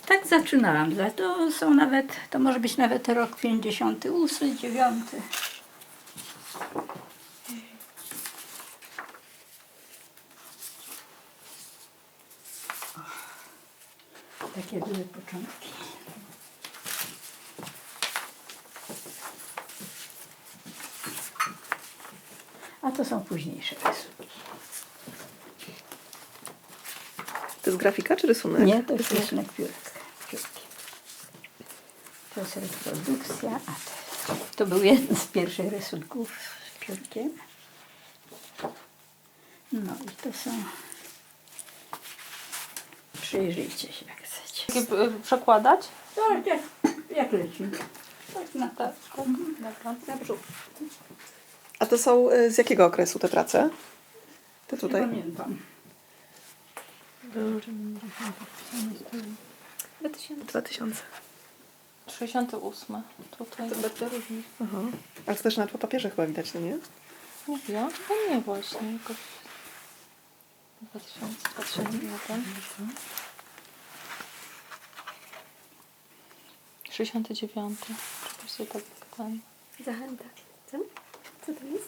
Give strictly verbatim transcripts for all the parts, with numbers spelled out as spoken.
Tak zaczynałam. Za- To są nawet, to może być nawet rok pięćdziesiąty ósmy, dziewiąty. Takie były początki. A to są późniejsze rysunki. To jest grafika czy rysunek? Nie, to jest rysunek piórek. piórki. To jest reprodukcja, a to, to był jeden z pierwszych rysunków z piórkiem. No i to są... Przyjrzyjcie się, jak chcecie. Takie, y, przekładać? Tak, jak, jak leci. Tak na Tak. to. Dobra. Na brzuch. A to są y, z jakiego okresu te prace? Te Nie tutaj? pamiętam. dwa tysiące. sześćdziesiąty ósmy. Tutaj. To bardzo różnie. Aha. Ale to też nawet po papierze chyba widać, no nie? Nie wiem, chyba nie właśnie. Jakoś dwa tysiące, dwa tysiące jeden. sześćdziesiąty dziewiąty. Czegoś sobie tak ten. Zachęta. Co? Co to jest?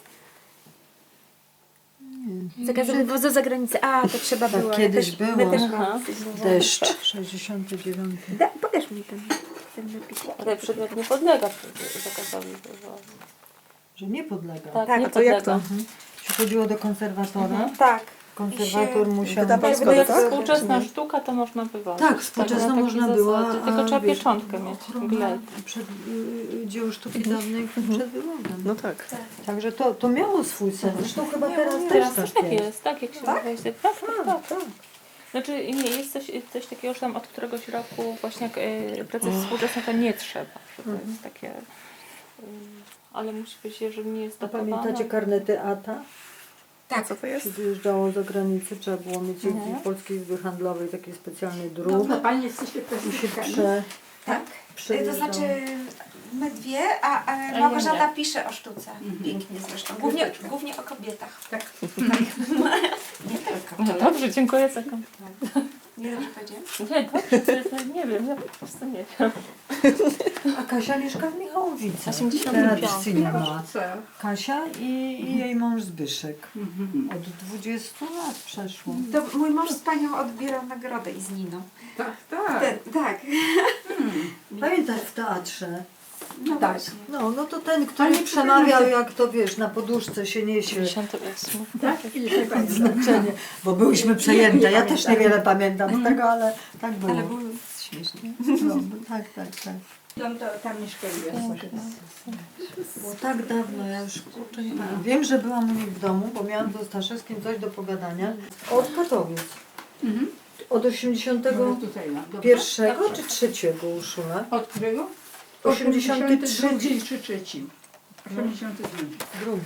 Zakaz wywozu za granicę. A, to trzeba było. Ja kiedyś też, było. My też Aha. mamy coś było. Deszcz. sześćdziesiąty dziewiąty. Da, pokaż mi ten, ten napis. Ale przedmiot nie podlega zakazowi wywozu. Że nie podlega. Tak, Tak, nie A to jak podlega. to? Się chodziło do konserwatora. Tak. Konserwator I się musiał... wydawał Jak zgodę, jak tak? współczesna sztuka, to można wywozić. Tak, współczesna na takiej można było, zasadzie. a Tylko trzeba wiesz, pieczątkę mieć. ochrona Glejt. Przed y, dzieł sztuki dawnej przed wywodem. No tak. Także to, to miało swój sens. Zresztą chyba teraz Teraz też też tak tak jest. jest, tak jak się tak? tak, tak, tak. Tak. Znaczy nie, jest coś, coś takiego, że tam od któregoś roku właśnie jak y, prace współczesne to nie trzeba. Że to jest takie, y, ale musi być, jeżeli nie jest A datowane. pamiętacie karnety A T A? Tak. Co to jest? Się wyjeżdżało za granicę, trzeba było mieć Mhm. w Polskiej Izby Handlowej taki specjalny druk. No, Pani jesteście I się pesymistami. prze... Tak. przejeżdżało. To znaczy my dwie, a, a nie, Małgorzata nie. pisze o sztuce. Pięknie zresztą. Głównie, głównie o kobietach. Tak. Nie tylko. No dobrze, dziękuję za komplement. Nie dobrze powiedziałam? Nie, dobrze, to, to nie wiem, ja po prostu nie wiem. A Kasia mieszka w Michałowicach. osiemdziesiąty piąty. Tradycyjnie ma. Co? Kasia i, i jej mąż Zbyszek. Mhm. Od dwudziestu lat przeszło. To mój mąż z panią odbierał nagrodę i z Niną. Tak, tak. Ten, tak. Pamiętasz w teatrze? No Tak. właśnie. No, no to ten, który Ale przemawiał, jak to wiesz, na poduszce się niesie. dziewięćdziesiąty ósmy. Tak? Ile się pamiętam. Znaczenie, bo byłyśmy przejęte. Ja też pamiętam. niewiele pamiętam z tego, ale tak było. Ale było śmiesznie. No, tak, tak, tak. Tam, to, tam mieszkaliśmy. Było tak dawno, ja już kurczę nie pamiętam. Wiem, że byłam u nich w domu, bo miałam z Staszewskim coś do pogadania. Od Katowic. Mhm. Od osiemdziesiątego No, tutaj mam. Dobra. pierwszego czy trzeciego Urszula? Od którego? osiemdziesiąty drugi trzeci. czy trzeci? osiemdziesiąty drugi. Drugi.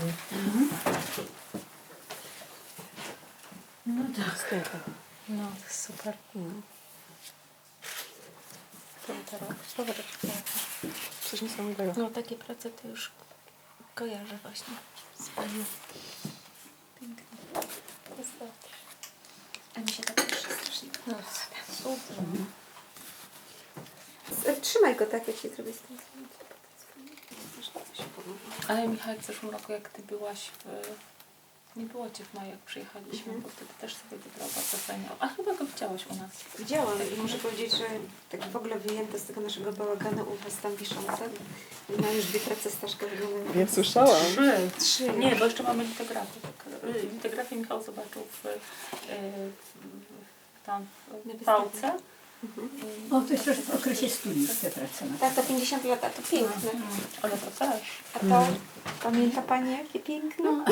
No tak. No, super. To teraz, to teraz. Coś niesamowitego. No takie prace to już kojarzę właśnie z panią. Piękne. Wystarczy. A mi się tak pisze strasznie. No, super. S- Trzymaj go tak, jak się zrobi z tym. Ale Michał, w zeszłym roku jak ty byłaś w... Nie było cię w maju, jak przyjechaliśmy, bo wtedy też sobie wybrał bardzo fajnie. A chyba go widziałaś u nas. Widziałam i muszę powiedzieć, że tak w ogóle wyjęte z tego naszego bałaganu u was tam wiszące. Ma już dwie prace Staszka wyglądają. Nie słyszałam. Trzy. Trzy. Nie, bo jeszcze mamy litografię. Y, Litografię Michał zobaczył w, y, w, tam w Pałce. O, to jest też w okresie studiów te prace. na Tak, to pięćdziesiąt lat, a to piękne. Ale to też. A to, pamięta Pani jakie piękne?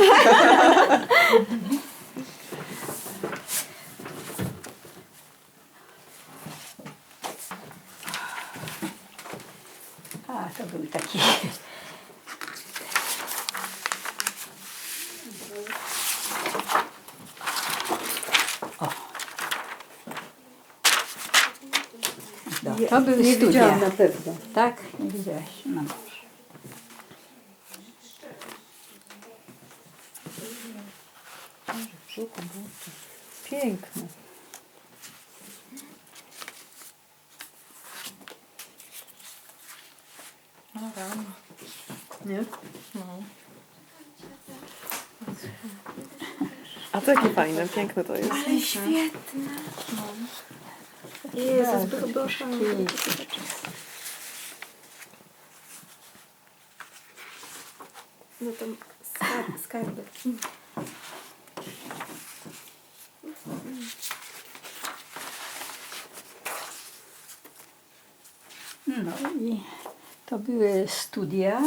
A, to był taki... O. No, to były Nie studia. widziałam na pewno. Tak? Nie widziałaś? No dobrze. Piękne. O rano. Nie? No. A to jakie fajne, piękne to jest. Ale świetne. Jezus, byłoby oszalone. No to skar- skarby. No i to były studia.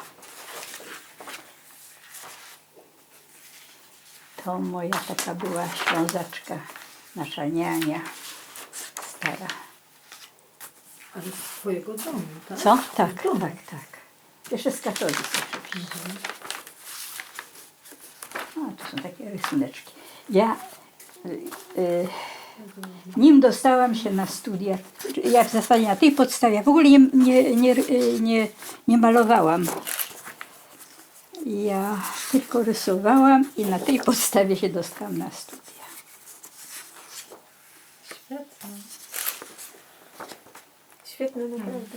To moja taka była Ślązaczka, nasza niania stara. Ale z twojego domu, tak? Co? Tak, tak, tak. Jeszcze z katolicy oczywiście. O, to są takie rysuneczki. Ja, y, y, nim dostałam się na studia, jak w zasadzie na tej podstawie, ja w ogóle nie, nie, nie, y, nie, nie malowałam. Ja tylko rysowałam i na tej podstawie się dostałam na studia. Świetnie. Świetne, naprawdę.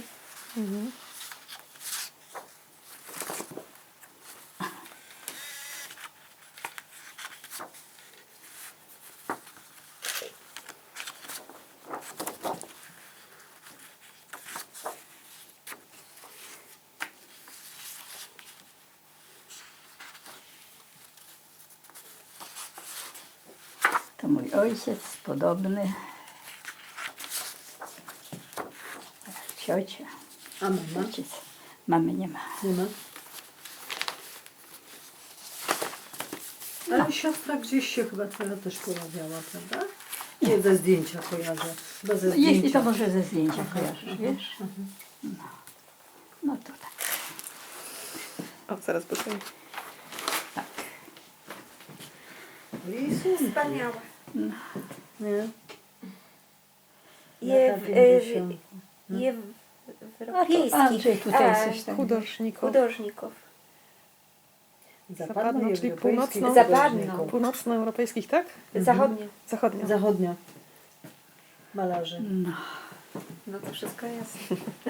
To mój ojciec, podobny. Ciocia, A mama? ojciec. Mamy nie ma. Nie ma? Ale siostra gdzieś się chyba twoja też pojawiała, prawda? Nie, ze zdjęcia kojarzę. Chyba ze zdjęcia. Jeśli to może ze zdjęcia kojarzysz, wiesz? No, no to tak. O, zaraz poczekaj. tak. Rysunki. Wspaniałe. Nie? Je Lata w, pięćdziesiąte. y, je w, A to europejskich. Andrzej tutaj A, coś tam. Hudожników. Hudожników. Zapadno, czyli europejskich północno- Zapadno. hudожników. Północnoeuropejskich, tak? Zachodnie. Zachodnio. Zachodnio. Malarzy. No. No to wszystko jasne.